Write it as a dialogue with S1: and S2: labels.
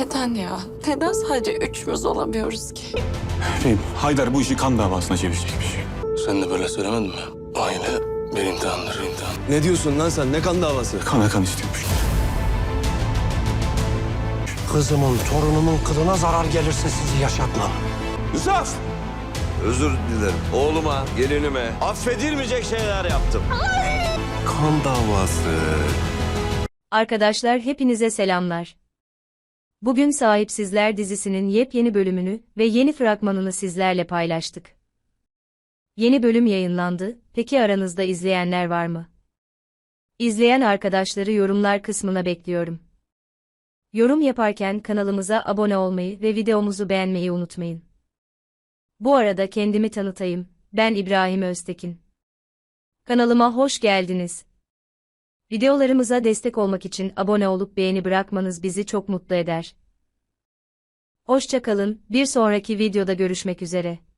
S1: Neden ya? Neden sadece üçümüz olamıyoruz ki?
S2: Haydar bu işi kan davasına çevirecekmiş.
S3: Sen de böyle söylemedin mi? Aile bir imtihandır, imtihan.
S4: Ne diyorsun lan sen? Ne kan davası?
S2: Kana kan istiyormuş.
S5: Kızımın, torunumun kılına zarar gelirse sizi yaşatmam.
S4: Yusuf! Özür dilerim. Oğluma, gelinime affedilmeyecek şeyler yaptım. Kan davası.
S6: Arkadaşlar hepinize selamlar. Bugün Sahipsizler dizisinin yepyeni bölümünü ve yeni fragmanını sizlerle paylaştık. Yeni bölüm yayınlandı, peki aranızda izleyenler var mı? İzleyen arkadaşları yorumlar kısmına bekliyorum. Yorum yaparken kanalımıza abone olmayı ve videomuzu beğenmeyi unutmayın. Bu arada kendimi tanıtayım, ben İbrahim Öztekin. Kanalıma hoş geldiniz. Videolarımıza destek olmak için abone olup beğeni bırakmanız bizi çok mutlu eder. Hoşça kalın, bir sonraki videoda görüşmek üzere.